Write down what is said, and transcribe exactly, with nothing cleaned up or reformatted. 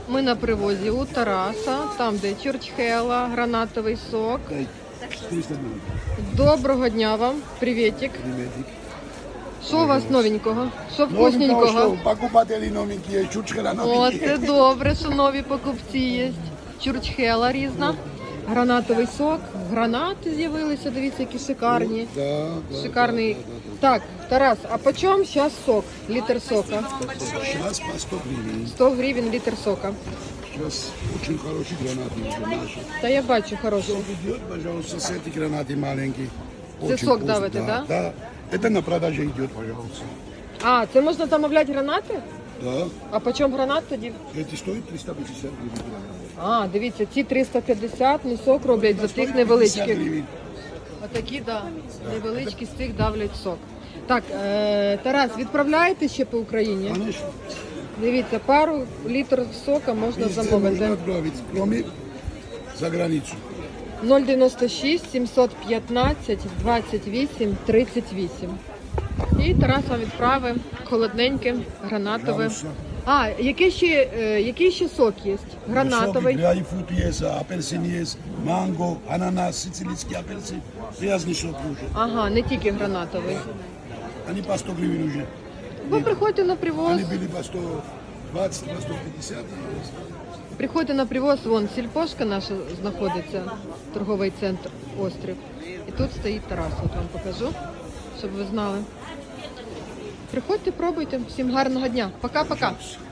Ми на привозі у Тараса, там де чурчхела, гранатовий сок. Доброго дня вам, привітик. Що у вас новенького? Що вкусненького? Покупателі новенькі є, чурчхела О, новенькі. це добре, що нові покупці є. Чурчхела різна, гранатовий сок, гранати з'явилися, дивіться, які шикарні. Да, да, Шикарний. да, да, да. Так, Тарас, а по чому зараз сок? Літр сока? Сейчас по сто гривен. сто гривень літр сока. Сейчас очень хороший гранат уже наши. Та я бачу хороший. Сок идет, пожалуйста, с этой гранаты маленький. Це Очень сок вкусно, давите, да? Да. Это на продаже идет, пожалуйста. А, це можна замовляти гранати? Да. А по чому гранат тоді? Эти стоят триста пятьдесят гривен. А, дивіться, ці триста п'ятдесят не сок роблять за тих пятьдесят невеличких. гривен. А такі, да, невеличкі з тих давлять сок. Так, е, Тарас, відправляєте ще по Україні? Конечно. Дивіться, пару літр сока можна Везде можно замовити. отправить, кроме за границу. нуль дев'яносто шість сімсот п'ятнадцять двадцять вісім тридцять вісім. І Тарас вам відправив холодненьке, гранатове. Пожалуйста. А, який ще, е, який ще сок є? Гранатовий. Грейпфрут есть, апельсин есть, манго, ананас, сицилийский апельсин. Грязный сок уже. Ага, не тільки гранатовий. Они по сто гривен уже. Ви приходьте на привоз. Они были по сто двадцать, по сто пятьдесят. Приходьте на привоз, вон сільпошка наша знаходиться, торговий центр Острів. І тут стоїть Тарас, от вам покажу, щоб ви знали. Приходьте, пробуйте. Всім гарного дня. Пока-пока.